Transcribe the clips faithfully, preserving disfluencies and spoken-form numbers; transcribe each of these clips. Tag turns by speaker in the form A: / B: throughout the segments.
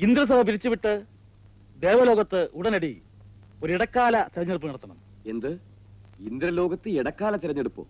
A: ഇന്ദ്രസഭ പിരിച്ചുവിട്ട് ദേവലോകത്ത് ഉടനടി ഒരു ഇടക്കാല തെരഞ്ഞെടുപ്പ് നടത്തണം.
B: എന്ത്? ഇന്ദ്രലോകത്ത് ഇടക്കാല തെരഞ്ഞെടുപ്പോ?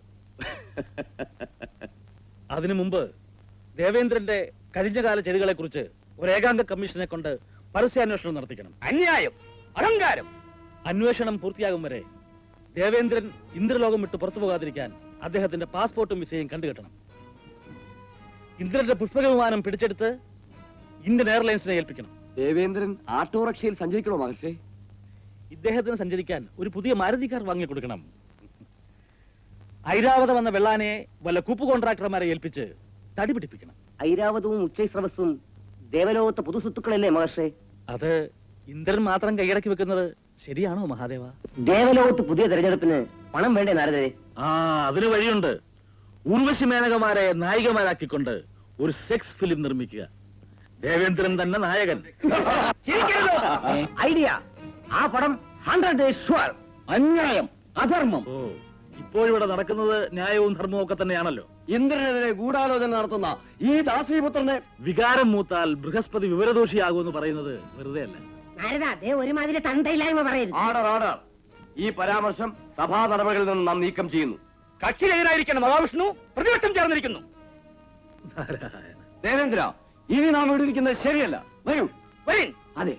A: അതിനു മുമ്പ് ദേവേന്ദ്രന്റെ കഴിഞ്ഞകാല ചെയ്തികളെ കുറിച്ച് ഒരു ഏകാംഗ കമ്മീഷനെ കൊണ്ട് പരസ്യാന്വേഷണം നടത്തിക്കണം.
C: അന്യായം, അഹങ്കാരം.
A: അന്വേഷണം പൂർത്തിയാകും വരെ ദേവേന്ദ്രൻ ഇന്ദ്രലോകം വിട്ട് പുറത്തു പോകാതിരിക്കാൻ അദ്ദേഹത്തിന്റെ പാസ്പോർട്ടും വിസയും കണ്ടുകെട്ടണം. ഇന്ദ്രന്റെ പുഷ്പക വിമാനം പിടിച്ചെടുത്ത് ഇന്ത്യൻ എയർലൈൻസിനെ ഏൽപ്പിക്കണം.
B: ദേവേന്ദ്രൻ ആട്ടോറിക്ഷയിൽ സഞ്ചരിക്കണോ മഹർഷേ?
A: ഇദ്ദേഹത്തിന് സഞ്ചരിക്കാൻ ഒരു പുതിയ മാരുതി കാർ വാങ്ങിക്കൊടുക്കണം. ഐരാവതം എന്ന വെള്ളാനയെ വല്ല കൂപ്പ് കോൺട്രാക്ടർമാരെ ഏൽപ്പിച്ച് തടി പിടിപ്പിക്കണം.
D: ഐരാവതവും ഉച്ചൈസ്രവസ്സും ദേവലോകത്തെ പുതുസ്വത്തുക്കളല്ലേ മഹർഷേ?
A: അത് ഇന്ദ്രൻ മാത്രം കൈയടക്കി വെക്കുന്നത് ശരിയാണോ മഹാദേവ?
D: ദേവലോകത്ത് പുതിയ തെരഞ്ഞെടുപ്പിന് പണം വേണ്ടേ നാരദരെ?
A: ആ, അതിന് വഴിയുണ്ട്. ഉർവശി മേനകമാരെ നായികമാരാക്കിക്കൊണ്ട് ഒരു സെക്സ് ഫിലിം നിർമ്മിക്കുക. ദേവേന്ദ്രൻ തന്നെ നായകൻ.
D: ഐഡിയ. ആ പടം ഹൺഡ്രഡ് ഡേയ്സ് ഷുവർ.
C: അന്യായം, അധർമ്മം.
A: ഓ, ഇപ്പോഴിവിടെ നടക്കുന്നത് ന്യായവും ധർമ്മവും ഒക്കെ തന്നെയാണല്ലോ.
B: ഇന്ദ്രനെതിരെ ഗൂഢാലോചന നടത്തുന്ന ഈ ദാസീപുത്രനെ
A: വികാരം മൂത്താൽ ബൃഹസ്പതി വിവരദോഷിയാകുമെന്ന് പറയുന്നത് വെറുതെ അല്ല.
E: നാരദ, അതേ ഒരുമാതിരി തന്തയില്ലായ്മ പറയരുത്.
B: Order order. ഈ പരാമർശം സഭാ നടപടികളിൽ നിന്ന് നാം നീക്കം ചെയ്യുന്നു.
C: കക്ഷിരഹിതനായിരിക്കുന്ന മഹാവിഷ്ണു പ്രതിപക്ഷം ചേർന്നിരിക്കുന്നു.
A: നാരായണ.
B: ദേവേന്ദ്ര, ഇനി നാം ഇവിടെ ഇരിക്കുന്നത് ശരിയല്ല. വരൂ.
C: വരീൻ.
B: അതെ.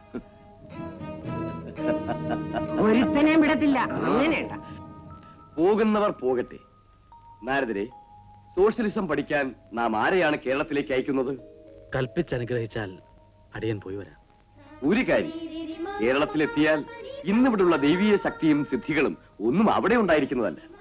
E: ഒരുത്തനെയും വിടത്തില്ല. അങ്ങനെയുണ്ട.
B: പോകുന്നവർ പോകട്ടെ. നാരദരെ, സോഷ്യലിസം പഠിക്കാൻ നാം ആരെയാണ് കേരളത്തിലേക്ക് അയക്കുന്നത്?
A: കൽപ്പിച്ചനുഗ്രഹിച്ചാൽ അടിയൻ പോയി വരാം.
B: ഒരു കാര്യം, കേരളത്തിലെത്തിയാൽ ഇന്നിവിടുള്ള ദൈവീയ ശക്തിയും സിദ്ധികളും ഒന്നും അവിടെ ഉണ്ടായിരിക്കുന്നതല്ല.